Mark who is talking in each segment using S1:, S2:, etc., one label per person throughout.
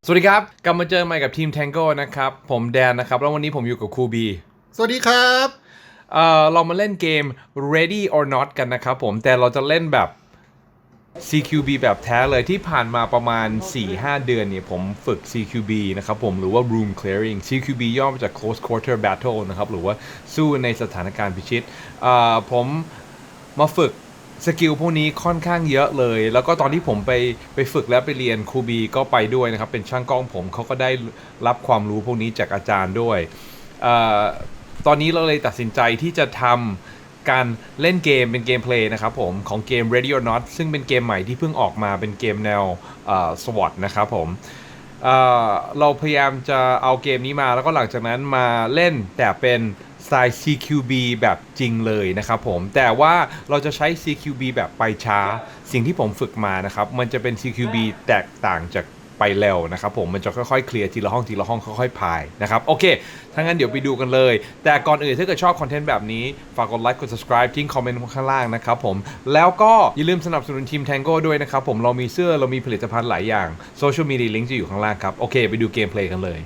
S1: สวัสดีครับกลับมาเจอใหม่กับทีม Tango นะครับผมแดนนะครับแล้ววันนี้ผมอยู่กับครูบี
S2: สวัสดีครับ
S1: เรามาเล่นเกม Ready or Not กันนะครับผมแต่เราจะเล่นแบบ CQB แบบแท้เลยที่ผ่านมาประมาณ 4-5 เดือนเนี่ยผมฝึก CQB นะครับผมหรือว่า Room Clearing CQB ย่อมาจาก Close Quarter Battle นะครับหรือว่าสู้ในสถานการณ์พิชิตผมมาฝึกสกิลพวกนี้ค่อนข้างเยอะเลยแล้วก็ตอนที่ผมไปฝึกแล้วไปเรียนครูบีก็ไปด้วยนะครับเป็นช่างกล้องผมเขาก็ได้รับความรู้พวกนี้จากอาจารย์ด้วยตอนนี้เราเลยตัดสินใจที่จะทำการเล่นเกมเป็นเกมเพลย์นะครับผมของเกม Ready or Not ซึ่งเป็นเกมใหม่ที่เพิ่งออกมาเป็นเกมแนวSWAT นะครับผมเราพยายามจะเอาเกมนี้มาแล้วก็หลังจากนั้นมาเล่นแต่เป็นสไตล์ CQB แบบจริงเลยนะครับผมแต่ว่าเราจะใช้ CQB แบบไปช้าสิ่งที่ผมฝึกมานะครับมันจะเป็น CQB แตกต่างจากไปเร็วนะครับผมมันจะค่อยๆเคลียร์ทีละห้องทีละห้องค่อยๆพายนะครับโอเคถ้างั้นเดี๋ยวไปดูกันเลยแต่ก่อนอื่นถ้าเกิดชอบคอนเทนต์แบบนี้ฝากกดไลค์กด subscribe ทิ้งคอมเมนต์ข้างล่างนะครับผมแล้วก็อย่าลืมสนับสนุนทีม Tango ด้วยนะครับผมเรามีเสื้อเรามีผลิตภัณฑ์หลายอย่างโซเชียลมีเดียลิงก์จะอยู่ข้างล่างครับโอเคไปดูเกมเพลย์กันเลย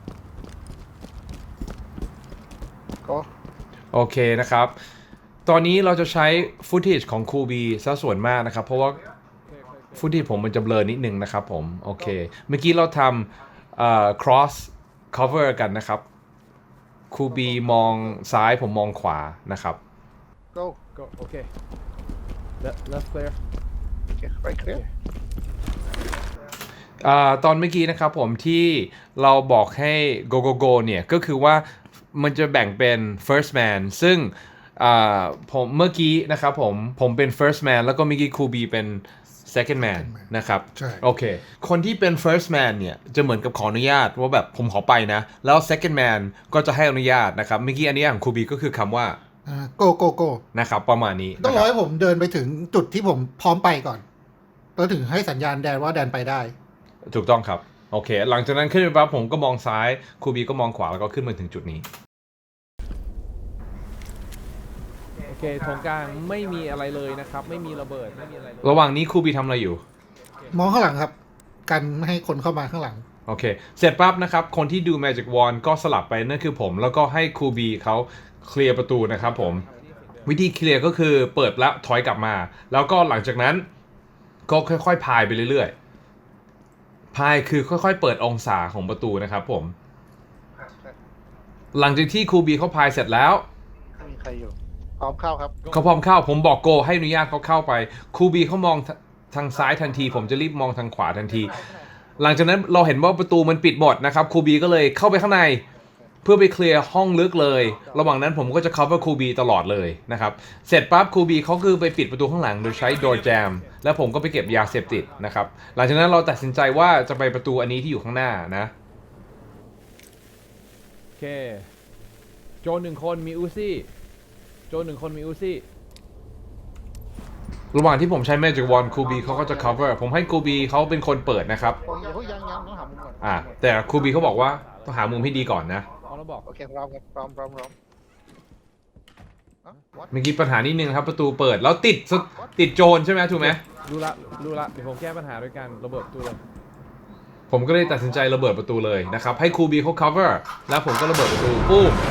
S2: ก็
S1: โอเคนะครับตอนนี้เราจะใช้ฟุตเทจของคูบีซะส่วนมากนะครับเพราะว่าฟุตเทจผมมันจะเบลอนิดนึงนะครับผมโอเคเมื่อกี้เราทำcross cover กันนะครับคูบีมองซ้ายผมมองขวานะครับ
S2: go
S3: Go. Okay. Left clear.
S2: โอเคไปเคลียร์
S1: ตอนเมื่อกี้นะครับผมที่เราบอกให้ go go go เนี่ยก็คือว่ามันจะแบ่งเป็น first man ซึ่งผมเมื่อกี้นะครับผมเป็น first man แล้วก็เมื่อกี้ครูบีเป็น second man นะครับ
S2: ใช่
S1: โอเคคนที่เป็น first man เนี่ยจะเหมือนกับขออนุญาตว่าแบบผมขอไปนะแล้ว second man ก็จะให้อนุญาตนะครับเมื่อกี้อนุญาตของครูบีก็คือคำว่า
S2: go go go
S1: นะครับประมาณนี้
S2: ต้องรอ
S1: นะครับ
S2: ให้ผมเดินไปถึงจุดที่ผมพร้อมไปก่อนแล้วถึงให้สัญญาณแดนว่าแดนไปได้
S1: ถูกต้องครับโอเคหลังจากนั้นขึ้นไปปั๊บผมก็มองซ้ายครูบีก็มองขวาแล้วก็ขึ้นมาถึงจุดนี้
S3: โอเคตรงกลางไม่มีอะไรเลยนะครับไม่มีระเบิดไม่มีอะไรเลย
S1: ระหว่างนี้ครูบีทำอะไรอยู่
S2: มองข้างหลังครับ กันไม่ให้คนเข้ามาข้างหลัง
S1: โอเคเสร็จปั๊บนะครับคนที่ดู Magic Wand ก็สลับไปนั่นคือผมแล้วก็ให้ครูบีเขาเคลียร์ประตูนะครับผมวิธีเคลียร์ก็คือเปิดแล้วถอยกลับมา แล้วก็หลังจากนั้นก็ค่อยๆพายไปเรื่อยๆพายคือค่อยๆเปิดองศาของประตูนะครับผมหลังจากที่ครูบีเขาพายเสร็จแล้ว
S2: ไม่มีใครอยู่พร้อมเข้าครับ
S1: เขาพร้อมเข้าผมบอกโกให้อนุญาตเขาเข้าไปครูบีเขามองทางซ้ายทันทีผมจะรีบมองทางขวาทันที หลังจากนั้นเราเห็นว่าประตูมันปิดหมดนะครับครูบีก็เลยเข้าไปข้างในเพื่อไปเคลียร์ห้องลึกเลย ระหว่างนั้นผมก็จะ cover ครูบีตลอดเลยนะครับเสร็จปั๊บครูบีเขาคือไปปิดประตูข้างหลังโดยใช้ door jam แล้วผมก็ไปเก็บยาเสพติดนะครับหลังจากนั้นเราตัดสินใจว่าจะไปประตูอันนี้ที่อยู่ข้างหน้านะ
S3: โอเคโจรหนึ่งคนมีอูซี่โจรหนึ่งคนมีอูซี่
S1: ระหว่างที่ผมใช้ Magic Wand ครูบีเขาก็จะ cover ผมให้ครูบีเขาเป็นคนเปิดนะครับ
S2: โอ้ยยังต้องหามุมก่อน
S1: แต่ครูบีเขาบอกว่าต้องหามุมให้ดีก่อนนะ
S3: เอาแล้วบอก
S2: โอเคพร้อมครับพร้อม
S1: เมื่อกี้ปัญหานิดนึงครับประตูเปิดแล้วติดโจรใช่ไหมถูกไหม
S3: รู้ละเดี๋ยวผมแก้ปัญหาด้วยการระเบิดประตูเลย
S1: ผมก็เลยตัดสินใจระเบิดประตูเลยนะครับให้ครูบีเขา cover แล้วผมก็ระเบิดประตูปุ้ม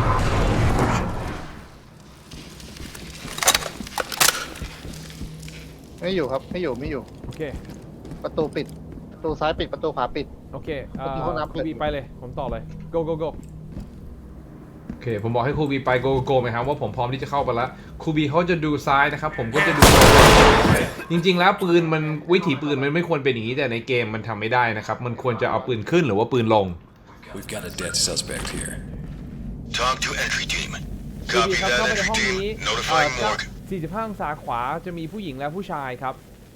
S2: ไม่อยู่ครับไม่อยู่
S3: โอเค
S2: ประตูปิดประตูซ้ายปิดประตูขวาปิด
S3: โอเค
S2: ผมมีห้องน้ำ
S3: ครูบีไปเลยผมต่อเลย go go go
S1: โอเคผมบอกให้ครูบีไปโกไหมครับว่าผมพร้อมที่จะเข้าไปแล้วครูบีเขาจะดูซ้ายนะครับผมก็จะดูจริงๆแล้วปืนมันวิถีปืนมันไม่ควรเป็นอย่างนี้แต่ในเกมมันทำไม่ได้นะครับมันควรจะเอาปืนขึ้นหรือว่าปืนลง
S4: We've got a dead suspect here.
S5: Talk to entry team.
S3: ครูบี
S5: Copy
S3: ครับ
S5: that
S3: เข้าไปใน
S5: entry
S3: ห้อง
S5: team.
S3: นี้
S5: Notifying morgue.
S3: 45องศาขวาจะมีผู้หญิงและผู้ชายครับ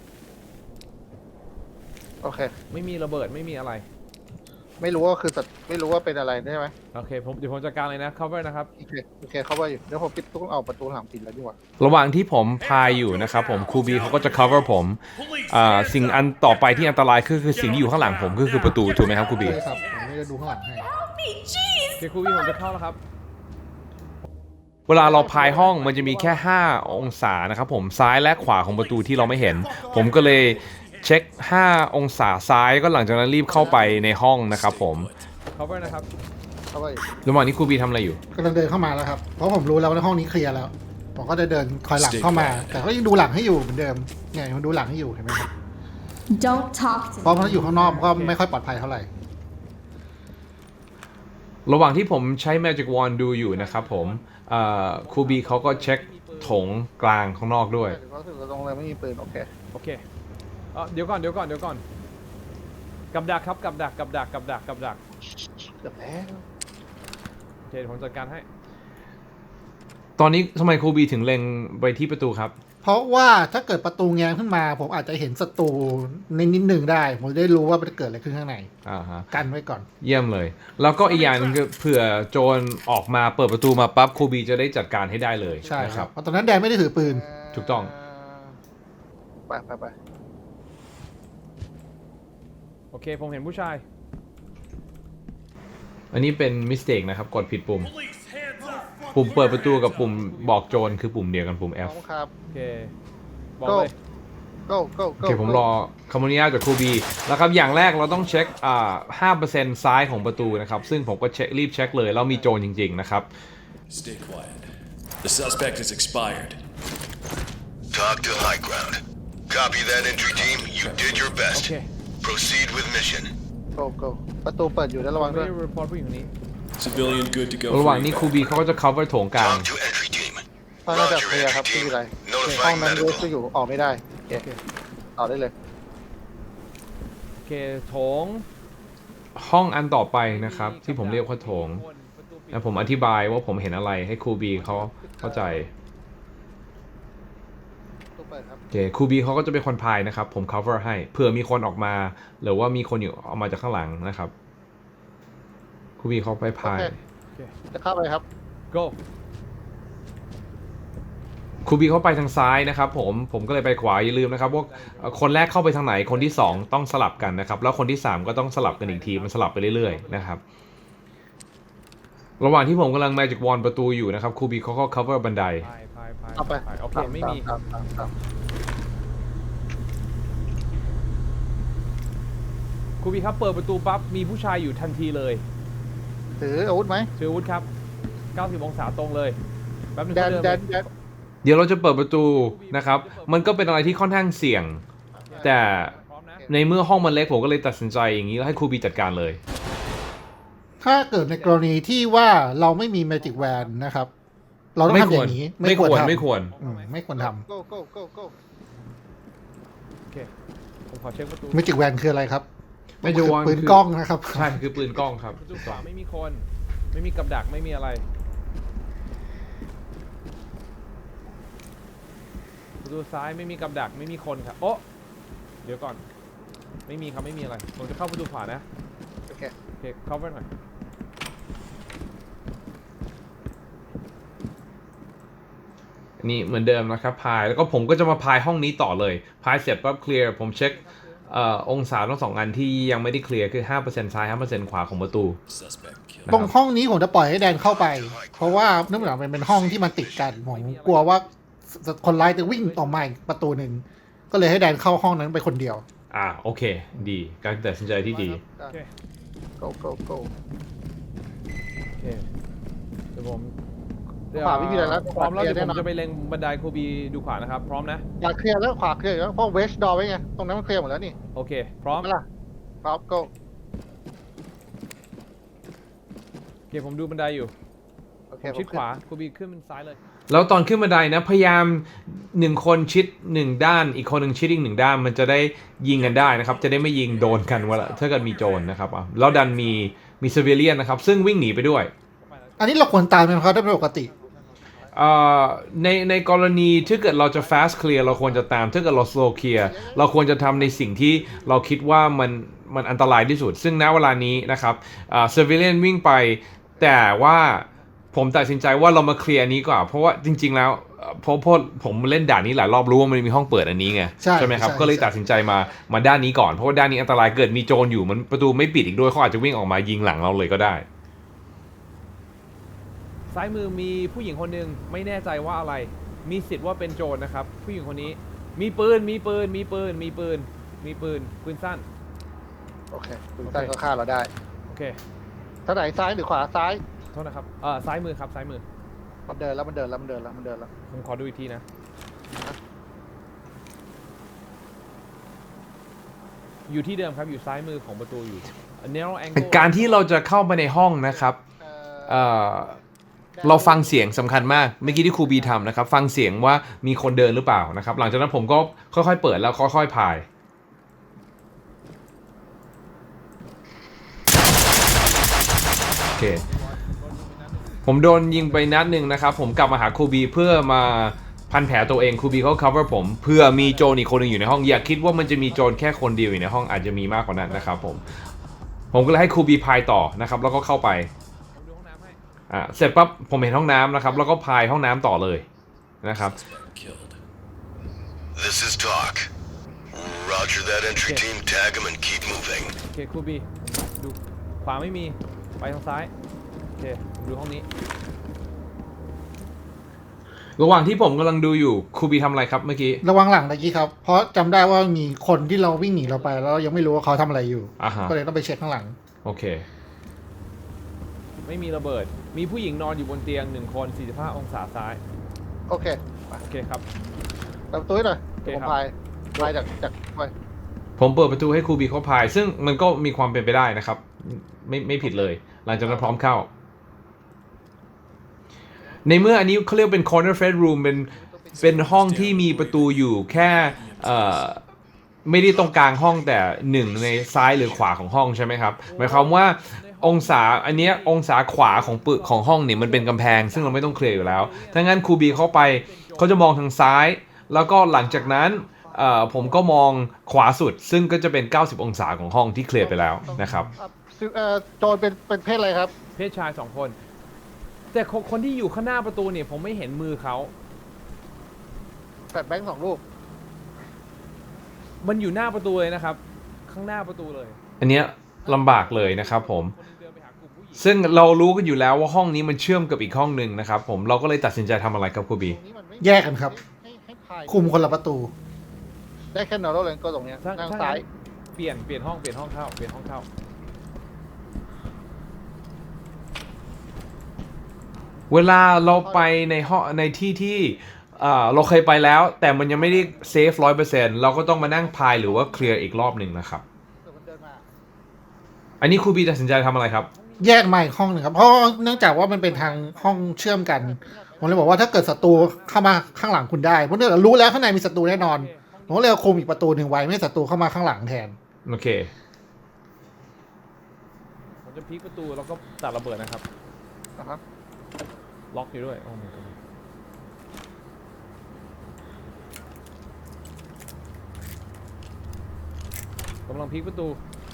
S2: โอเค
S3: ไม่มีระเบิดไม่มีอะไร
S2: ไม่รู้ว่าคือไม่รู้ว่าเป็นอะไรใช่ไหม
S3: โอเคเดี๋ยวผมจัดการเลยนะ cover นะครับ
S2: โอเคเข้าไปอยู่เดี๋ยวผมปิดตู้เอาประตูหลังปิดแล้วดีกว่า
S1: ระหว่างที่ผมพายอยู่นะครับผมครูบีเขาก็จะ cover ผมสิ่งอันต่อไปที่อันตรายคือสิ่งที่อยู่ข้างหลังผมก็คือประตูถูกไหมครับครูบี
S2: ใช่ครับผมไม่ได้ดูข้างหลังให้
S3: โอเคครูบีผมจะเข้าแล้วครับ
S1: เวลาเราพายห้องมันจะมีแค่5องศานะครับผมซ้ายและขวาของประตูที่เราไม่เห็นผมก็เลยช็ค5 องศาซ้ายก็หลังจากนั้นรีบเข้าไปในห้องนะครับผม
S3: cover นะครับ
S2: เข้าไป
S1: ระหว่างนี้ครูบีทำอะไรอยู่
S2: กำลังเดินเข้ามาแล้วครับ เพราะผมรู้แล้วว่าในห้องนี้เคลียร์แล้ว ผมก็จะเดินคอยหลังเข้ามา แต่ก็ยังดูหลังให้อยู่เหมือนเดิมเนี่ยมันดูหลังให้อยู่เห็นไหมครับ
S6: Don't talk to
S2: เพราะมันอยู่ข้างนอกมันก็ไม่ค่อยปลอดภัยเท่าไหร่
S1: ระหว่างที่ผมใช้ Magic Wand ดูอยู่นะครับผมครูบีเขาก็เช็คโถงกลางข้างนอกด้วย
S2: เพราะถึงตรงเลยไม่มีปืนโอเค
S3: โอเคเดี๋ยวก่อนกับดักครับกับดัก
S2: เกือบแล้ว
S3: โอเคเดี๋ยวผมจัดการให้
S1: ตอนนี้ทำไมครูบีถึงเล็งไปที่ประตูครับ
S2: เพราะว่าถ้าเกิดประตูแง้มขึ้นมา ผมอาจจะเห็นศัตรูในนิดหนึ่งได้ ผมจะได้รู้ว่ามันเกิดอะไรขึ้นข้างใน
S1: ฮะ
S2: กันไว้ก่อน
S1: เยี่ยมเลย แล้วก็อีกอย่างหนึงคือเผื่อโจรออกมาเปิดประตูมาปั๊บครูบีจะได้จัดการให้ได้เลย
S2: ใช่
S1: นะ
S2: ค
S1: ค
S2: รั
S1: รั
S2: บบ เพราะตอนนั้นแดนไม่ได้ถือปืน
S1: ถูกต้อง
S2: ไป
S3: โอเคผมเห็นผู้ชาย
S1: อันนี้เป็นมิสเทคนะครับ กดผิดปุ่ม ปุ่มเปิดประตูกับปุ่มบอกโจรคือปุ่มเดียวกันปุ่ม F
S2: ครับ
S3: โอเคบอกเลย
S2: go
S1: โอเคผมรอคำอนุญาตจากครูบีแล้วครับอย่างแรกเราต้องเช็ค5% ซ้ายของประตูนะครับซึ่งผมก็รีบเช็คเลยแล้วมีโจรจริงๆนะครับ
S4: Stay quiet. The suspect is expired.
S5: Talk to high ground. Copy that entry team. You did your
S3: โอ
S5: best.
S3: เค
S5: Proceed with mission.
S2: go ประตูเปิดอยู่แล้วระวัง
S3: ไม่
S2: ด้วย
S3: ได้รีพอร์ตผู้หญิงคนนี้
S4: Civilian good to go.
S1: ระห
S4: for
S1: ว่างนี้ครู
S4: evac.
S1: บีเขาก็จะ cover โถงกลาง
S5: Talk to entry team.
S2: ห้องน่าจะ
S5: Roger,
S2: เคลียร์ครับ
S5: entry
S2: ไม่
S5: team.
S2: มีอะไรห้อง
S5: Notifying
S2: นั้นเวส
S5: medical.
S2: อยู่ออกไม่ได้โอเคต่อได้เลย
S3: โอเคโถง
S1: ห้องอันต่อไปนะครับที่ผมเรียกว่าโถงแล้วผมอธิบายว่าผมเห็นอะไรให้ครูบีเขาเข้าใจ
S2: ตู้เปิดครับ
S1: โอเคครูบีเขาก็จะเป็นคนพายนะครับผม cover ให้เผื่อมีคนออกมาหรือว่ามีคนอยู่ออกมาจากข้างหลังนะครับครูบีเขาไปพาย
S2: จะเข้าไปครับ
S3: go
S1: ครูบีเขาไปทางซ้ายนะครับผมก็เลยไปขวาอย่าลืมนะครับว่าคนแรกเข้าไปทางไหนคนที่2ต้องสลับกันนะครับแล้วคนที่3ก็ต้องสลับกันอีกทีมันสลับไปเรื่อยๆนะครับระหว่างที่ผมกำลัง Magic Wand ประตูอยู่นะครับครูบีเขาก็ cover บันได
S3: พาย
S2: เอาไป
S3: โอเคไม่มี
S2: ตาม
S3: ครูบีครับเปิดประตูปั๊บมีผู้ชายอยู่ทันทีเลย
S2: ถืออาวุธไหม
S3: ถืออาวุธครับ 90 องศาตรงเลยแป๊บนึง
S2: แดน
S3: เขา
S2: แด
S3: เดิ
S2: น
S3: น
S2: แดน
S1: เดี๋ยวเราจะเปิดประตูนะครับมันก็เป็นอะไรที่ค่อนข้างเสี่ยง แต่
S3: พร้อมนะ
S1: ในเมื่อห้องมันเล็กผมก็เลยตัดสินใจอย่างนี้แล้วให้ครูบีจัดการเลย
S2: ถ้าเกิดในกรณีที่ว่าเราไม่มี Magic Wand นะครับ เราต้องทำอย่างนี้
S1: ไม่ควร
S2: ทำ
S1: ไม่ควร
S2: ไม่ควรท
S3: โอเคผมขอเช็คประตู
S2: ำ Magic Wand คืออะไรครับ
S1: Magic Wand
S2: ปืนกล้องนะครับ
S1: ใช่คือปืนกล้องครับ
S3: ประตูขวาไม่มีคน ไม่มีกับดักไม่มีอะไรประตูซ้ายไม่มีกับดักไม่มีคนครับโอ๊ะเดี๋ยวก่อนไม่มีครับไม่มีอะไรผมจะเข้าประตูขวานะ
S2: โอเค
S3: โอเค cover หน่อย
S1: นี่เหมือนเดิมนะครับพายแล้วก็ผมก็จะมาพายห้องนี้ต่อเลยพายเสร็จปั๊บเคลียร์ผมเช็คองศาทั้ง2 อันที่ยังไม่ได้เคลียร์คือ 5% ซ้าย 5% ขวาของประตู
S4: Suspect killed.
S1: นะ
S2: ตรง
S1: ครับ
S2: ห้องนี้ผมจะปล่อยให้แดนเข้าไป เพราะว่าเนื่องจากมันเป็นห้องที่มันติดกันผมกลัวว่าคนร้ายจะวิ่งออกมาอีกประตูหนึ่งก็เลยให้แดนเข้าห้องนั้นไปคนเดียว
S1: โอเคดีการตัดสินใจที่ดี
S3: โอเค
S2: go
S3: โอเคเดี๋ยวผม
S2: ขวาไม่มีอะไรแล้ว
S3: พร้อมแล้ว
S2: ขวาเคลี
S3: เดี๋
S2: ยร์
S3: ยวผม
S2: แน่นอน
S3: จะไปเล็งบันไดครูบีดูขวานะครับพร้อมนะ
S2: ขวาเคลียร์แล้วขวาเคลียร์แล้วเพราะเวสดอไว้ไงตรงนั้นมันเคลียร์หมดแล้วนี่
S3: โอเคพร้อม
S2: ไม่ล่ะครับ go
S3: โอเคผมดูบันไดอยู่
S2: โอเค
S3: ชิดขวาครูบีขึ้นซ้ายเลย
S1: แล้วตอนขึ้นบันไดนะพยายาม1 คนชิด1 ด้านอีกคนหนึ่งชิดอีก1 ด้านมันจะได้ยิงกันได้นะครับจะได้ไม่ยิงโดนกันเวลาถ้าเกิดมีโจรนะครับแล้วดันมีซิวิเลียนนะครับซึ่งวิ่งหนีไปด้วย
S2: อันนี้เราควรตามไหมครับถ้าเป็นปกติ
S1: ในกรณีถ้าเกิดเราจะ fast clear เราควรจะตามถ้าเกิดเรา slow clear เราควรจะทำในสิ่งที่เราคิดว่ามันอันตรายที่สุด ซึ่งณเวลานี้นะครับcivilian วิ่งไปแต่ว่าผมตัดสินใจว่าเรามาเคลียร์นี้ก่อนเพราะว่าจริงๆแล้วเพราะผมเล่นด่านนี้หลายรอบรู้ว่ามันมีห้องเปิดอันนี้ไง
S2: ใช่
S1: ไหมครับ
S2: ใช่
S1: ก็เลยตัดสินใจมาด้านนี้ก่อนเพราะว่าด้านนี้อันตรายเกิดมีโจรอยู่มันประตูไม่ปิดอีกด้วยเขาอาจจะวิ่งออกมายิงหลังเราเลยก็ได้
S3: ซ้ายมือมีผู้หญิงคนหนึ่งไม่แน่ใจว่าอะไร มีสิทธิ์ว่าเป็นโจรนะครับ ผู้หญิงคนนี้มีปืนมีปืนสั้น
S2: โอเคปืนสั้นก็ฆ่าเราได้
S3: โอเค
S2: ท่าไหนซ้ายหรือขวาซ้าย
S3: โทษนะครับซ้ายมือครับซ้ายมือ
S2: มันเดินแล้ว
S3: ผมขอดูอีกทีนะอยู่ที่เดิมครับอยู่ซ้ายมือของประตูอยู่ narrow angle
S1: การที่เราจะเข้าไปในห้องนะครับเราฟังเสียงสำคัญมากเมื่อกี้ที่ครูบีทำนะครับฟังเสียงว่ามีคนเดินหรือเปล่านะครับหลังจากนั้นผมก็ค่อยๆเปิดแล้วค่อยๆพายโอเคผมโดนยิงไปนัดหนึ่งนะครับผมกลับมาหาครูบีเพื่อมาพันแผลตัวเองครูบีเขา cover ผมเพื่อมีโจรอีกคนหนึงอยู่ในห้องอย่าคิดว่ามันจะมีโจรแค่คนเดียวอยู่ในห้องอาจจะมีมากกว่านั้นนะครับผมก็เลยให้ครูบีพายต่อนะครับแล้วก็เข้าไป
S3: ผมดูห้องน้ำให้
S1: เสร็จปั๊บผมเห็นห้องน้ำนะครับแล้วก็พายห้องน้ำต่อเลยนะครับ
S4: Suspect killed.
S5: This is Talk. Roger that entry team. Tag him and keep moving.
S3: โอเคครูบีดูขวาไม่มีไปทางซ้ายโอเคผมดูห้องนี้
S1: ระหว่างที่ผมกำลังดูอยู่ครูบีทำอะไรครับเมื่อกี้
S2: ระวังหลังตะกี้ครับ เพราะจำได้ว่ามีคนที่เราวิ่งหนีเราไปแล้วเรายังไม่รู้ว่าเขาทำอะไรอยู่
S1: อ่าฮะ
S2: ก็เลยต้องไปเช็คข้างหลัง
S1: โอเค
S3: ไม่มีระเบิดมีผู้หญิงนอนอยู่บนเตียง1 คน45 องศาซ้าย
S2: โอเค
S3: โอเคครับ
S2: เปิดประตูให้หน่อย
S3: โอเค
S2: ผม
S3: ครับ
S2: พายจากไป
S1: ผมเปิดประตูให้ครูบีเขาพาย ซึ่งมันก็มีความเป็นไปได้นะครับไม่ผิดเลย หลังจากนั้นพร้อมเข้า ในเมื่ออันนี้เขาเรียกเป็น corner fed room เป็นห้องที่มีประตูอยู่แค่ไม่ได้ตรงกลางห้องแต่หนึ่งในซ้ายหรือขวาของห้องใช่ไหมครับหมายความว่าองศาอันเนี้ยองศาขวาของห้องเนี่ยมันเป็นกำแพงซึ่งเราไม่ต้องเคลียร์อยู่แล้วถ้างั้นครูบีเข้าไปเขาจะมองทางซ้าย แล้วก็หลังจากนั้นผมก็มองขวาสุด ซึ่งก็จะเป็น90องศาของห้องที่เคลียร์ไปแล้วนะครับ
S2: โจรเป็นเพศอะไรครับ
S3: เพศชาย2 คน แต่คนที่อยู่ข้างหน้าประตูเนี่ยผมไม่เห็นมือเขา
S2: แฟลชแบงค์2 ลูก
S3: มันอยู่หน้าประตูเลยนะครับ ข้างหน้าประตูเลย
S1: อันเนี้ยลำบากเลยนะครับผม
S3: คนหนึ่งเดินไปหากลุ่มผู้หญิง
S1: ซึ่งเรารู้กันอยู่แล้วว่าห้องนี้มันเชื่อมกับอีกห้องหนึ่งนะครับผมเราก็เลยตัดสินใจทำอะไรครับครูบี
S2: แยกกันครับ คุมคนละประตู ได้แค่นอร์โรเลนก็ตรงเนี้ยทางซ้าย
S3: เปลี่ยนห้องเข้า
S1: เวลาเราไปในห้องในที่ที่เราเคยไปแล้ว แต่มันยังไม่ได้เซฟ100%เราก็ต้องมานั่งพายหรือว่าเคลียร์อีกรอบหนึ่งนะครับอันนี้ครูบีตัดสินใจทำอะไรครับ
S2: แยกมาอีกห้องหนึ่งครับ เพราะเนื่องจากว่ามันเป็นทางห้องเชื่อมกัน ผมเลยบอกว่าถ้าเกิดศัตรูเข้ามาข้างหลังคุณได้เพราะเนื่องจากรู้แล้วข้างในมีศัตรูแน่นอน ผมก็เลยคุมอีกประตูหนึ่งไว้ไม่ให้ศัตรูเข้ามาข้างหลังแทน
S1: โอเค
S3: ผมจะพลิกประตูแล้วก็ตัดระเบิดนะครับ ล็อกอยู่ด้วย โอ้ my god กำลังพลิกประตู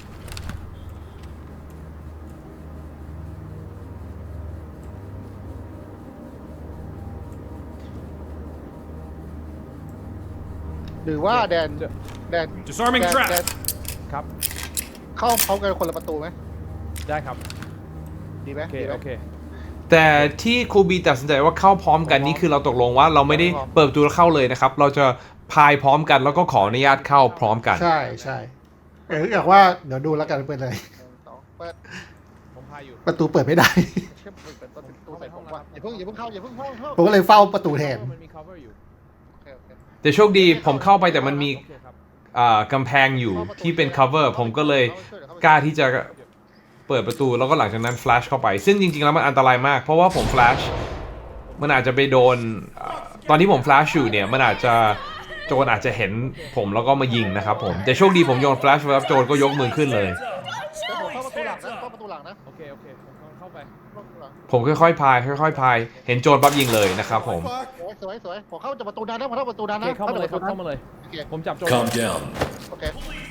S2: หรือว่าแดน
S4: Disarming
S2: แด
S4: trap.
S2: น
S3: ครับ
S2: เข้าพร้อมกันคนละประตูไหม
S3: ได้ครับ
S2: ดีไหม
S3: โอเค
S2: ดีไหม
S3: โอเค
S1: แต่ที่ครูบีตัดสินใจว่าเข้าพร้อมกันนี่คือเราตกลงว่าเราไม่ได้เปิดประตูแล้วเข้าเลยนะครับเราจะพายพร้อมกันแล้วก็ขออนุญาตเข้าพร้อมกัน
S2: ใช่อยากว่าเดี๋ยวดูแล้วกันเป็นอะไร เปิด
S3: ผมพายอยู่
S2: ประตูเปิดไม่ได้
S3: เปิดห้องแล้วครับ
S2: อย่าเพิ่งเข้าผมก็เลยเฝ้าประตูแทน
S3: มันมี cover อยู่
S1: แต่โชคดีผมเข้าไปแต่มันมี
S3: โอเคครับ
S1: กำแพงอยู่ที่เป็น cover ผมก็เลยกล้าที่จะเปิดประตูแล้วก็หลังจากนั้น flash เข้าไป ซึ่งจริงๆแล้วมันอันตรายมากเพราะว่าผม flash มันอาจจะไปโดนตอนที่ผม flash อยู่เนี่ยมันอาจจะโจรอาจจะเห็นผมแล้วก็มายิงนะครับผมแต่โชคดีผมโยน flash ไว้แล้วโจรก็ยกมือขึ้นเลย
S2: เข้าประตูหลังนะ
S3: โอเคผมกำลังเข้าไป
S1: ผมค่อยๆพายเห็นโจรปั๊บยิงเลยนะครับผม
S2: สวยผมเข้าจากประตูนั้นนะผมเข้าประตูนั้น
S3: โอเค
S2: นะ
S3: เข้ามาเลยครับ เข้ามาเลย
S2: โอเค
S3: ผมจับโจร
S4: Calm down.
S2: โอเค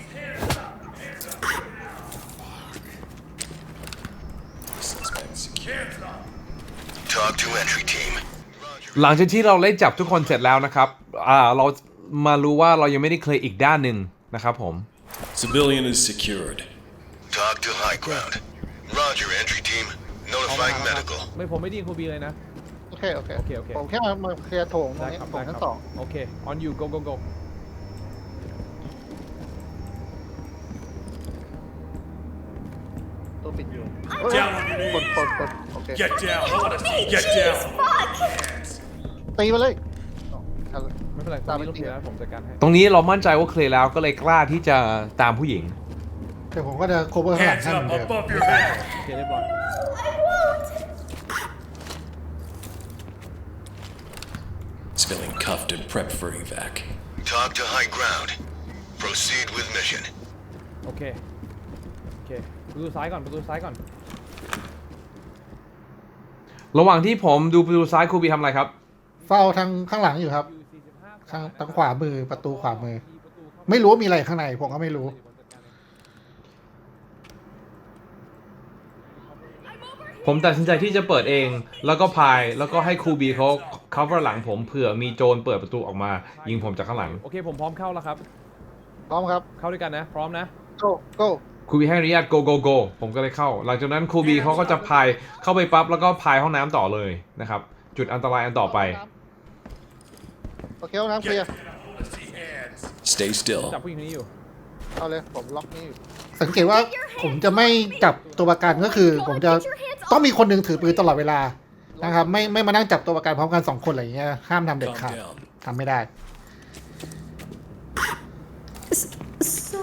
S4: Suspect secured.
S5: Talk to entry team.
S1: หลังจากที่เราได้จับทุกคนเสร็จแล้วนะครับเรามารู้ว่าเรายังไม่ได้เคลียร์อีกด้านหนึ่งนะครับผม
S4: Civilian is secured.
S5: Talk to high ground. Roger, entry team. Notifying medical.
S3: ผมไม่ได้ยินครูบีเลยนะ
S2: โอเค
S3: โอเค
S2: ผมแค่มาเคลียร์โถงตรง
S3: ได้
S2: นี้
S3: ครับ
S2: โถงชั้น
S3: ได้ครับ
S2: สอง
S3: โอเค on you go
S7: ปิดอยู่
S4: Down on your
S7: กด
S4: knees.
S7: กดโอเค
S4: Get down. I want to see you get down.
S7: ตีมาเลยเอา
S3: ไม่เป็นไรตอนนี้เราเคลียร์แล้วผมจัดการให้
S1: ตรงนี้เรามั่นใจว่าเคลียร์แล้วก็เลยกล้าที่จะตามผู้หญิง
S2: แต่ผมก็จะ cover ข้างหลัง
S4: Hands
S2: ให้เหมือน
S4: up
S2: เดิม
S4: above your head.
S3: โอเคเรียบร้อย
S4: Feeling cuffed and prepped for evac.
S5: Talk to high ground. Proceed with mission.
S3: โอเคประตูซ้ายก่อน
S1: ระหว่างที่ผมดูประตูซ้ายครูบีทำอะไรครับ
S2: เฝ้าทางข้างหลังอยู่ครับทางขวามือประตูขวามือ ไม่รู้ว่ามีอะไรข้างในผมก็ไม่รู้
S1: ผมตัดสินใจที่จะเปิดเอง แล้วก็พายแล้วก็ให้ครูบีเขา cover หลังผมเผื่อมีโจรเปิดประตูออกมา ยิงผมจากข้างหลัง
S3: โอเคผมพร้อมเข้าแล้วครับ
S7: พร้อมครับ
S3: เข้าด้วยกันนะพร้อมนะ
S7: go go
S1: ครูบีให้อนุญาต go go go ผมก็เลยเข้า หลังจากนั้นครูบีเขาก็จะพายเข้าไปปั๊บแล้วก็พายห้องน้ำต่อเลยนะครับ จุดอันตรายอันต่อไป
S7: โอเคห้องน้ำเคลียร์
S4: Stay still.
S3: จับผู้หญิงคนนี้อยู่
S7: เอาเลยผมล็อกนี่อยู่
S2: สังเกตว่าผมจะไม่จับตัวประกันก็คือ ผมจะต้องมีคนหนึ่งถือปืนตลอดเวลานะครับไม่มานั่งจับตัวประกันพร้อมกัน2 คนอะไรอย่างเงี้ยห้ามทำเด็ด
S4: Calm
S2: ขาด
S4: down.
S2: ทำไม่ได้
S6: So,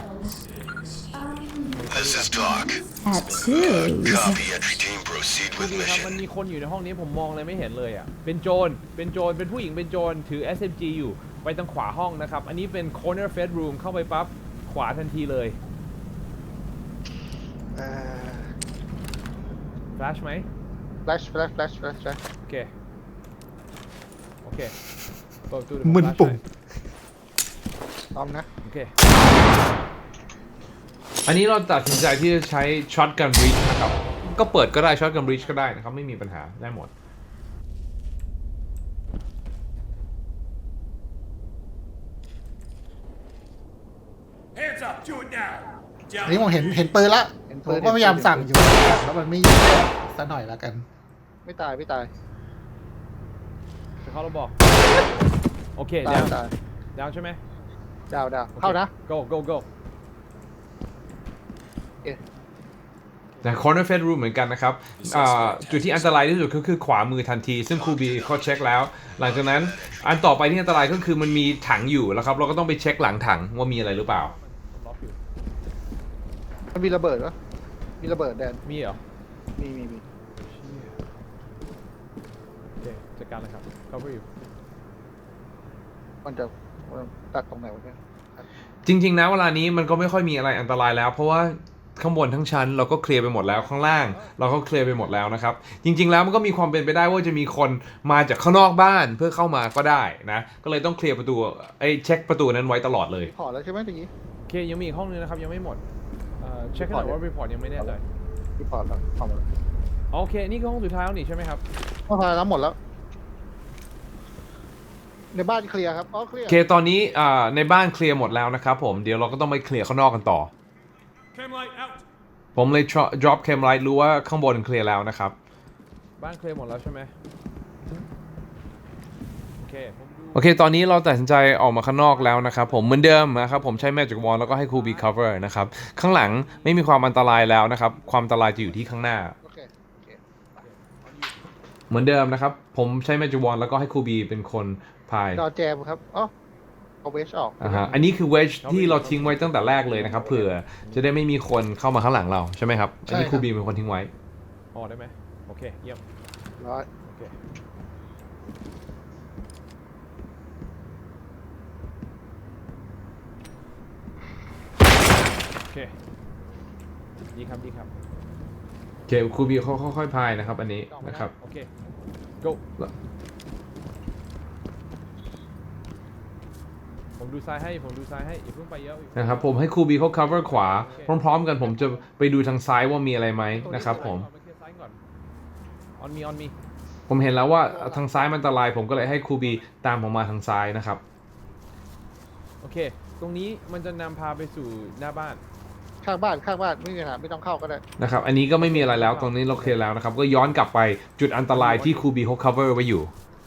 S5: This is talk.
S6: tattoos.
S5: Copy, entry team. Proceed
S3: ดู
S5: with
S3: ดิครับมัน
S5: mission.
S3: มีคนอยู่ในห้องนี้ผมมองเลยไม่เห็นเลยอ่ะเป็นโจรเป็นผู้หญิงเป็นโจรถือ SMG อยู่ไปทางขวาห้องนะครับอันนี้เป็น corner fed room เข้าไปปั๊บขวาทันทีเลย flash ไหม
S7: flash flash flash flash flash
S3: โอเคเปิดประตู
S2: มึนปุ่ม
S7: พร้อมนะ
S3: โอเค
S1: อันนี้เราตัดสินใจที่จะใช้ shotgun breach นะครับ ก็เปิดก็ได้ shotgun breach ก็ได้นะครับไม่มีปัญหาได้หมด
S4: Hands up. Do it now.
S2: อันนี้ผมเห็นปืนละผมก็พยายามสั่งอยู่แล้วมันไม่ยิงซะหน่อยละกัน
S7: ไม่ตายไม่ตาย
S3: จะเข้าเราบอกโอเค
S7: ตาย
S3: ดาว
S7: ตาย
S3: ดาวใช่ไหม
S7: ดาวเข้านะ
S3: go
S1: แต่ corner fed room เหมือนกันนะครับจุดที่อันตรายที่สุดก็คือขวามือทันที ซึ่งครูบีเขาเช็คแล้ว หลังจากนั้นอันต่อไปที่อันตรายก็คือมันมีถังอยู่แล้วครับ เราก็ต้องไปเช็คหลังถังว่ามีอะไรหรือเปล่า
S3: ล็อกอยู่
S7: มันมีระเบิดวะมีระเบิดแดน
S3: มีเหรอ
S7: มี
S3: โอเคจัดการเลยครับ cover อยู่
S7: มันจะตัดตรงไหนวะเนี่ย
S1: จริงๆนะเวลานี้มันก็ไม่ค่อยมีอะไรอันตรายแล้ว เพราะว่าข้างบนทั้งชั้นเราก็เคลียร์ไปหมดแล้วข้างล่าง เราก็เคลียร์ไปหมดแล้วนะครับจริงๆแล้วมันก็มีความเป็นไปได้ว่าจะมีคนมาจากข้างนอกบ้านเพื่อเข้ามาก็ได้นะก็เลยต้องเคลียร์ประตูเช็คประตูนั้นไว้ตลอดเลย
S7: พอแล้วใช่ไหมตะกี้
S3: โอเคยังมีอีกห้องนึงนะครับยังไม่หมดเช็คให้หน่อยว่า report ยังไม่แน่ใจ
S7: ที่พอแล้วพอหมดแล้ว
S3: โอเคนี่คือห้องสุดท้ายแล้วนี่ใช่ไหมครับ
S7: พอแล้วหมดแล้ว ในบ้านเคลียร์ครับเคลียร์
S1: โอเคตอนนี้ในบ้านเคลียร์หมดแล้วนะครับผมเดี๋ยวเราก็ต้องไปเคลียร์ข้างนอกกันต่อ
S4: Cam light out.
S1: ผมเลย drop cam light รู้ว่าข้างบนเคลียร์แล้วนะครับ
S3: บ้านเคลียร์หมดแล้วใช่ไหมโอเคผมดู
S1: โอเคตอนนี้เราตัดสินใจออกมาข้างนอกแล้วนะครับผมเหมือนเดิมนะครับผมใช้ magic wand แล้วก็ให้ครูบี cover นะครับข้างหลังไม่มีความอันตรายแล้วนะครับความอันตรายจะอยู่ที่ข้างหน้า
S7: โอเค
S1: เหมือนเดิมนะครับผมใช้ magic wand แล้วก็ให้ครูบีเป็นคนพาย
S7: ดอแจมครับเอาเวชออก
S1: อันนี้คือ wedge ที่เราทิ้งไว้ตั้งแต่แรกเลยนะครับเผื่อจะได้ไม่มีคนเข้ามาข้างหลังเราใช่ไหมครับอันนี้ครูบีเป็นคนทิ้งไว้
S3: ออกได้ไหมโอเคเยี่ยม
S7: ร้อย
S3: โอเคโอเคดีครับ
S1: โอเคครูบีเขาค่อยๆพายนะครับอันนี้นะครับ
S3: โอเค go ผมดูซ้ายให้อย่าเพิ่งไปเยอะ
S1: นะครับผมให้ครูบีเขา cover ขวาพร้อมๆกันผมจะไปดูทางซ้ายว่ามีอะไรไหมนะครับผม
S3: เอาเคลียร์ซ้ายก่อน on me
S1: ผมเห็นแล้วว่าทางซ้ายมันอันตรายผมก็เลยให้ครูบีตามผมมาทางซ้ายนะครับ
S3: โอเค ตรงนี้มันจะนำพาไปสู่หน้าบ้าน
S7: ข้างบ้านไม่มีปัญหาไม่ต้องเข้าก็ได้
S1: นะครับอันนี้ก็ไม่มีอะไรแล้วตรงนี้เราเคลียร์แล้วนะครับก็ย้อนกลับไปจุดอันตรายที่ครูบีเขา cover ไว้อยู่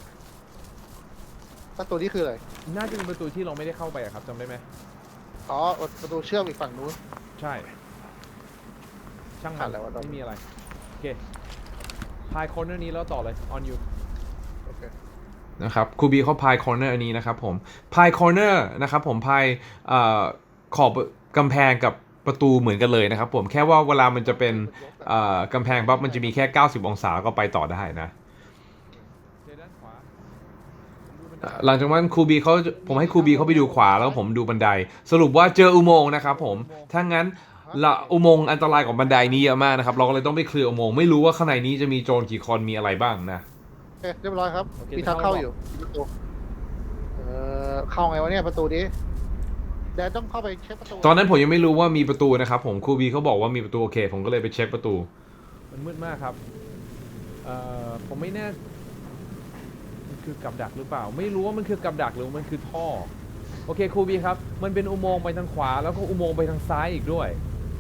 S7: ประตูนี้คืออะไร
S3: น่าจะเป็นประตูที่เราไม่ได้เข้าไปอะครับจำได้ไหม
S7: ประตูเชื่อมอีกฝั่งนู้น
S3: ใช่ช่าง
S7: ขา
S3: มั
S7: ด
S3: น
S7: อะไรวะตอน
S3: ไม่
S7: นี้
S3: มีอะไรโอเคพายคอร์เนอร์นี้แล้วต่อเลย on you
S7: โอเค
S1: นะครับครูบีเขาพายคอร์เนอร์อันนี้นะครับผมพายคอร์เนอร์นะครับผมพายขอบกำแพงกับประตูเหมือนกันเลยนะครับผมแค่ว่าเวลามันจะเป็นกำแพงปั๊บมันจะมีแค่ 90 องศาก็ไปต่อได้นะ
S3: เจด้านขวาผมดูบันได
S1: หลังจากนั้นผมให้ครูบีเขาไปดูขวาแล้วผมดูบันได สรุปว่าเจออุโมงค์นะครับผมถ้างั้นอุโมงค์อันตรายกว่าบันไดนี้เยอะมากนะครับเราก็เลยต้องไปเคลียร์อุโมงค์ไม่รู้ว่าข้างในนี้จะมีโจรกี่คนมีอะไรบ้างนะ
S7: โอเคเรียบร้อยครับมีทางเข้าอยู่มีประตูเข้าไงวะเนี่ยประตูนี้แดนต้องเข้าไปเช็คประตู
S1: ตอนนั้นผมยังไม่รู้ว่ามีประตูนะครับผมครูบีเขาบอกว่ามีประตูโอเคผมก็เลยไปเช็คประตู
S3: มันมืดมากครับผมไม่แน่มันคือกับดักหรือเปล่า ไม่รู้ว่ามันคือกับดักหรือมันคือท่อโอเคครูบีครับมันเป็นอุโมงค์ไปทางขวาแล้วก็อุโมงค์ไปทางซ้ายอีกด้วย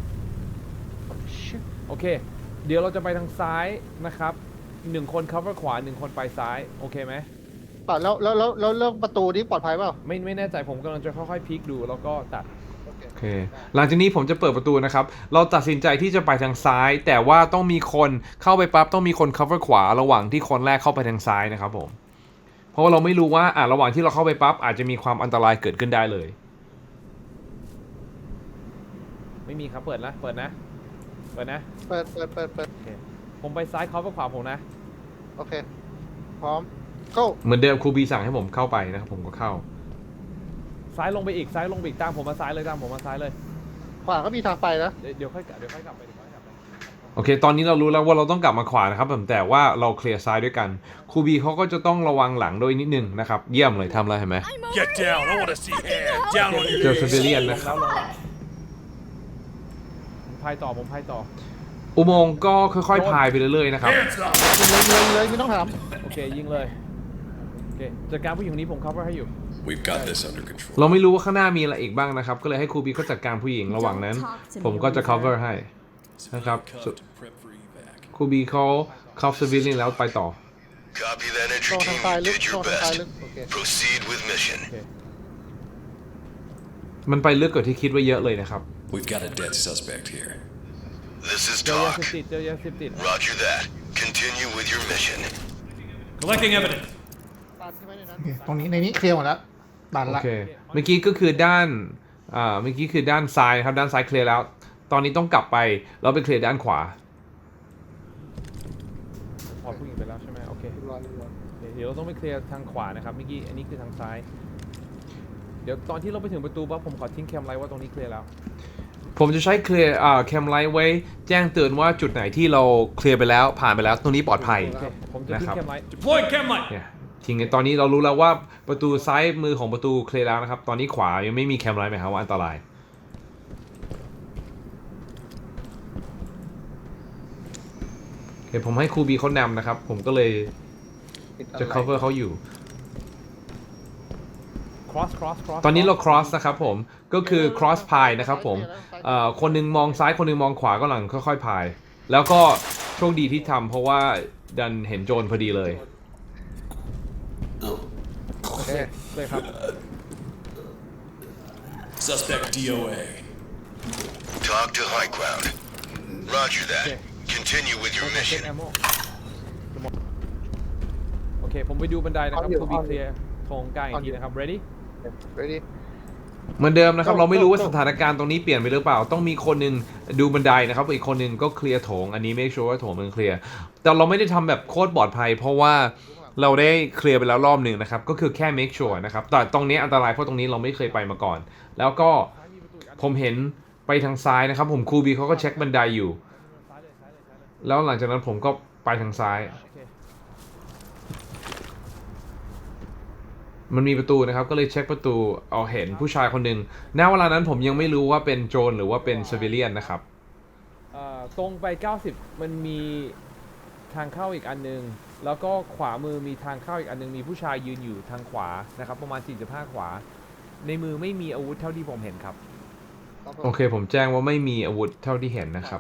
S3: โอเคเดี๋ยวเราจะไปทางซ้ายนะครับ1 คน cover ขวา1 คนไปซ้ายโอเคไหม
S7: ป่ะแล้วเรื่องประตูนี้ปลอดภัยเปล่า
S3: ไม่แน่ใจผมกำลังจะค่อยๆพลิกดูแล้วก็ตัด
S7: โอเค
S1: โอเคหลังจากนี้ผมจะเปิดประตูนะครับเราตัดสินใจที่จะไปทางซ้าย แต่ว่าต้องมีคนเข้าไปปั๊บต้องมีคน cover ขวาระหว่างที่คนแรกเข้าไปทางซ้ายนะครับผมเพราะว่าเราไม่รู้ว่าระหว่างที่เราเข้าไปปั๊บอาจจะมีความอันตรายเกิดขึ้นได้เลย
S3: ไม่มีครับเปิดนะเปิดนะ
S7: เปิด
S3: โอเคผมไปซ้ายเขาไปขวาผมนะ
S7: โอเคพร้อมเข้า
S1: เหมือนเดิมครูบีสั่งให้ผมเข้าไปนะครับผมก็เข้า
S3: ซ้ายลงไปอีกตามผมมาซ้ายเลย
S7: ขวาก็มีทางไปนะ
S3: เดี๋ยวค่อยกลับไป
S1: โอเคตอนนี้เรารู้แล้วว่าเราต้องกลับมาขวานะครับผมแต่ว่าเราเคลียร์ซ้ายด้วยกันครูบีเขาก็จะต้องระวังหลังด้วยนิดนึงนะครับเยี่ยมเลยทำอะไรเห็นไหม
S4: Get down. I want to see hands. Down on
S1: เจ
S4: your
S1: อ
S4: knees.
S1: ซิวิเลียน
S3: ล
S1: นะ
S3: ง
S1: ค
S3: แล้
S1: รับ
S3: วผมพายต่อ
S1: อุโมงค์ก็ค่อยๆพายไปเรื่อยๆนะครับ
S4: Hands up.
S7: เลยไม่ต้องถาม
S3: โอเคยิงเลยโอเคจัดการผู้หญิงคนนี้ผม cover ให้อยู่
S4: We've got this under control.
S1: เราไม่รู้ว่าข้างหน้ามีอะไรอีกบ้างนะครับก็เลยให้ครูบีเขาจัดการผู้หญิงระหว่างนั้น ผมก็จะ cover ให้ นะครับ
S4: Cuffed and prep for evac.
S1: ครูบีเขาคัฟซิวิเลียนแล้วไปต่อ
S5: Copy that
S7: ตร
S5: entry
S7: งทาง
S5: team.
S7: ซ้าย
S5: You
S7: ลึก
S5: did
S7: ตร
S5: your
S7: งทางซ้าย
S5: best.
S7: ลึกโอเค
S5: Proceed with mission.
S3: โอเค
S1: มันไปลึกกว่าที่คิดไว้เยอะเลยนะครับ
S4: We've got a dead suspect here.
S5: This is
S3: เจอยา
S5: talk.
S3: เสพติด
S5: Roger that. Continue with your mission.
S4: Collecting evidence.
S7: ตันใช่ไหมในนั้น
S2: ตรงนี้ในนี้เคลียร์หมดแล้วตัน
S1: โอ
S2: ละ
S1: เค เมื่อกี้ก็คือด้านเมื่อกี้คือด้านซ้ายนะครับด้านซ้ายเคลียร์แล้ว ตอนนี้ต้องกลับไปแล้วไปเคลียร์ด้านขวา
S3: พอผู้หญิงไปแล้วใช่ไหมโอเค
S7: เรียบร้อย
S3: เดี๋ยวเราต้องไปเคลียร์ทางขวานะครับเมื่อกี้อันนี้คือทางซ้าย เดี๋ยวตอนที่เราไปถึงประตูปั๊บผมขอทิ้งแคมไลท์ว่าตรงนี้เคลียร์แล้ว
S1: ผมจะใช้เคลียร์แคมไลท์ไว้แจ้งเตือนว่าจุดไหนที่เราเคลียร์ไปแล้วผ่านไปแล้วตรงนี้ปลอดภัย
S3: โอเคผมจะทิ้ง
S1: นะครับ
S3: แคมไลท์
S4: Deploying chem light.
S1: เนี่ยทีนี้ตอนนี้เรารู้แล้วว่าประตูซ้ายมือของประตูเคลียร์แล้วนะครับ ตอนนี้ขวายังไม่มีแคมไลท์หมายความว่าอันตราย โอเคผมให้ครูบีเขานำนะครับ ผมก็เลยจะ cover เขาอยู่
S3: cross
S1: ตอนนี้เรา cross นะครับผม ก็คือ cross พายนะครับผม คนหนึงมองซ้ายคนหนึงมองขวาก็หลังค่อยๆพาย แล้วก็โชคดีที่ทำเพราะว่าดันเห็นโจรพอดีเลย
S3: โอเคเลยครับ
S4: Suspect DOA.
S5: Talk to high ground. Roger that.
S3: Okay.
S5: Continue with your
S3: เช็ค
S5: mission.
S3: แอมโมโอเคผมไปดูบันไดนะครับคูบีเคลียร์โถงกลางอีกทีนะครับ ready
S7: ready
S1: เหมือนเดิมนะครับ เราไม่รู้ว่าสถานการณ์ตรงนี้เปลี่ยนไปหรือเปล่า ต้องมีคนหนึงดูบันไดนะครับอีกคนหนึงก็เคลียร์โถงอันนี้ไม่ชัวร์ว่าโถงมันเคลียร์แต่เราไม่ได้ทำแบบโคตรปลอดภัย เพราะว่าเราได้เคลียร์ไปแล้วรอบหนึ่งนะครับก็คือแค่ make sure นะครับแต่ตรงนี้อันตรายเพราะตรงนี้เราไม่เคยไปมาก่อน แล้วก็ผมเห็นไปทางซ้ายนะครับผมครูบีเขาก็เช็คบันไดอยู่ แล้วหลังจากนั้นผมก็ไปทางซ้าย
S3: โอเค
S1: มันมีประตูนะครับก็เลยเช็คประตูเอาเห็นผู้ชายคนหนึ่งณเวลานั้นผมยังไม่รู้ว่าเป็นโจรหรือว่าเป็นซิวิเลียนนะครับ
S3: ตรงไป 90 มันมีทางเข้าอีกอันนึง แล้วก็ขวามือมีทางเข้าอีกอันนึง มีผู้ชายยืนอยู่ทางขวานะครับประมาณ 45 ขวา ในมือไม่มีอาวุธเท่าที่ผมเห็นครับ
S1: โอเคผมแจ้งว่าไม่มีอาวุธเท่าที่เห็นนะครับ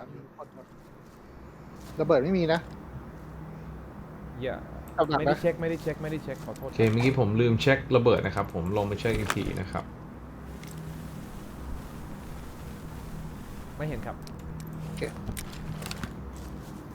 S7: ระเบิดไม่มีนะ
S3: อย่า
S7: กับดัก
S3: ไม่
S7: นะ
S3: ได้เช็คขอโทษ
S1: โอเคเมื่อกี้ผมลืมเช็คระเบิดนะครับผมลองไปเช็คอีกทีนะครับ
S3: ไม่เห็นครับ
S7: โอเค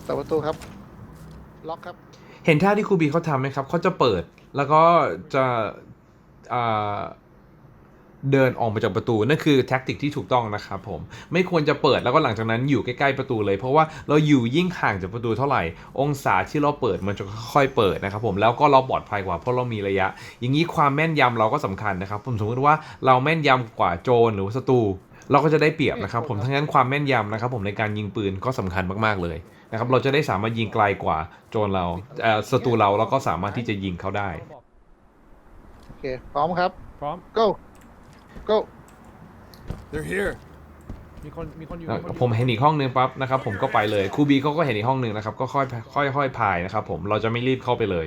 S7: ปิดประตูครับ ล็อกครับ
S1: เห็นท่าที่ครูบีเขาทำไหมครับเขาจะเปิดแล้วก็จะอ่าเดินออกมาจากประตูนั่นคือแท็กติกที่ถูกต้องนะครับผมไม่ควรจะเปิดแล้วก็หลังจากนั้นอยู่ใกล้ๆประตูเลยเพราะว่าเราอยู่ยิ่งห่างจากประตูเท่าไหร่องศาที่เราเปิดมันจะค่อยๆเปิดนะครับผมแล้วก็เราปลอดภัยกว่าเพราะเรามีระยะ อย่างนี้ความแม่นยำเราก็สำคัญนะครับผมสมมติว่าเราแม่นยำกว่าโจรหรือว่าศัตรูเราก็จะได้เปรียบนะครับผมทั้งนั้นความแม่นยำนะครับผมในการยิงปืนก็สำคัญมากๆเลยนะครับเราจะได้สามารถยิงไกลกว่าโจรเราศัตรูเราก็สามารถที่จะยิงเขาได้
S7: โอเค พร้อมครับ
S3: พร้อม
S7: go go
S4: They're here.
S3: มีคนอยู่มีคนอยู่
S1: ผมเห็นอีกห้องนึงปั๊บนะครับผมก็ไปเลยครูบีเขาก็เห็นอีกห้องนึงนะครับก็ค่อยพายนะครับผมเราจะไม่รีบเข้าไปเลย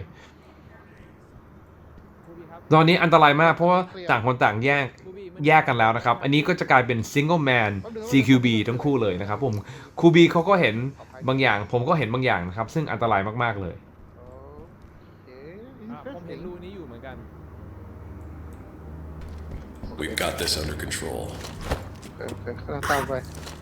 S3: ครูบีครับ
S1: ตอนนี้อันตรายมากเพราะว่าต่างคนต่างแยกกันแล้วนะครับอันนี้ก็จะกลายเป็น single man CQB ทั้งคู่เลยนะครับผมครูบีเขาก็เห็นบางอย่างผมก็เห็นบางอย่างนะครับซึ่งอันตรายมากๆเลย
S7: โอเค
S3: ผมเห็นรูนี้อยู่เหมือนกัน
S4: We've got this under control.
S7: โอเคกำลังตามไป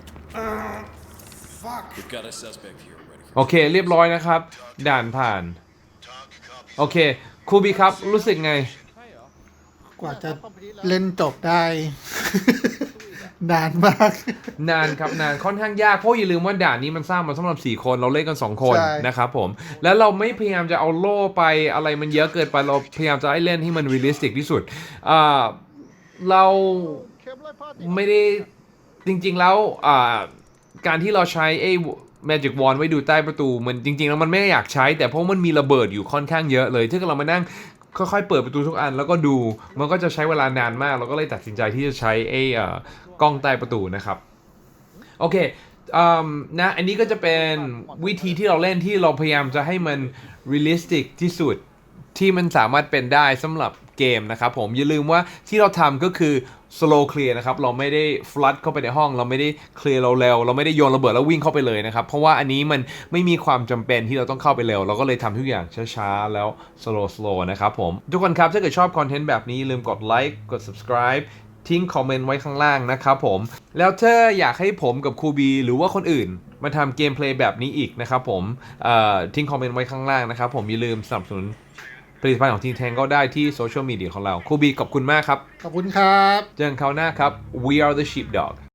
S4: We've got a suspect here ready.
S1: โอเคเรียบร้อยนะครับด่านผ่าน
S5: Talk, copy.
S1: โอเคครูบีครับรู้สึกไง
S3: ใช่เหรอ
S2: กว่าจะเล่นจบได้ นานมาก
S1: นานครับนานค่อนข้างยากเพราะอย่าลืมว่าด่านนี้มันสร้างมาสำหรับ4คนเราเล่นกัน2คน
S2: ใช่
S1: นะครับผมแล้วเราไม่พยายามจะเอาโล่ไปอะไรมันเยอะเกินไปเราพยายามจะให้เล่นให้มันเรียลลิสติกที่สุดเรา
S7: เข้มเลยพ่อติ
S1: ไม่ได้จริงๆแล้วการที่เราใช้ไอ้ Magic Wand ไว้ดูใต้ประตูมันจริงๆแล้วมันไม่ได้อยากใช้แต่เพราะมันมีระเบิดอยู่ค่อนข้างเยอะเลยถ้าเกิดเรามานั่งค่อยๆเปิดประตูทุกอันแล้วก็ดูมันก็จะใช้เวลานานมากเราก็เลยตัดสินใจที่จะใช้ไอ้กล้องใต้ประตูนะครับโอเคนะอันนี้ก็จะเป็นวิธีที่เราเล่นที่เราพยายามจะให้มันเรียลลิสติกที่สุดที่มันสามารถเป็นได้สำหรับเกมนะครับผมอย่าลืมว่าที่เราทำก็คือ slow clear นะครับเราไม่ได้ flood เข้าไปในห้องเราไม่ได้ clear เราเร็วเราไม่ได้โยนระเบิดแล้ววิ่งเข้าไปเลยนะครับเพราะว่าอันนี้มันไม่มีความจำเป็นที่เราต้องเข้าไปเร็วเราก็เลยทำทุกอย่างช้าๆแล้ว slow นะครับผมทุกคนครับถ้าเกิดชอบคอนเทนต์แบบนี้อย่าลืมกดไลค์กด subscribe ทิ้งคอมเมนต์ไว้ข้างล่างนะครับผมแล้วถ้าอยากให้ผมกับครูบีหรือว่าคนอื่นมาทำเกมเพลย์แบบนี้อีกนะครับผมทิ้งคอมเมนต์ไว้ข้างล่างนะครับผมอย่าลืมสนับสนุนผลิตภัณฑ์ของทีมแทงก็ได้ที่โซเชียลมีเดียของเราครูบีขอบคุณมากครับ
S2: ขอบคุณครับ
S1: เจอกันคราวหน้าครับ We are the sheepdog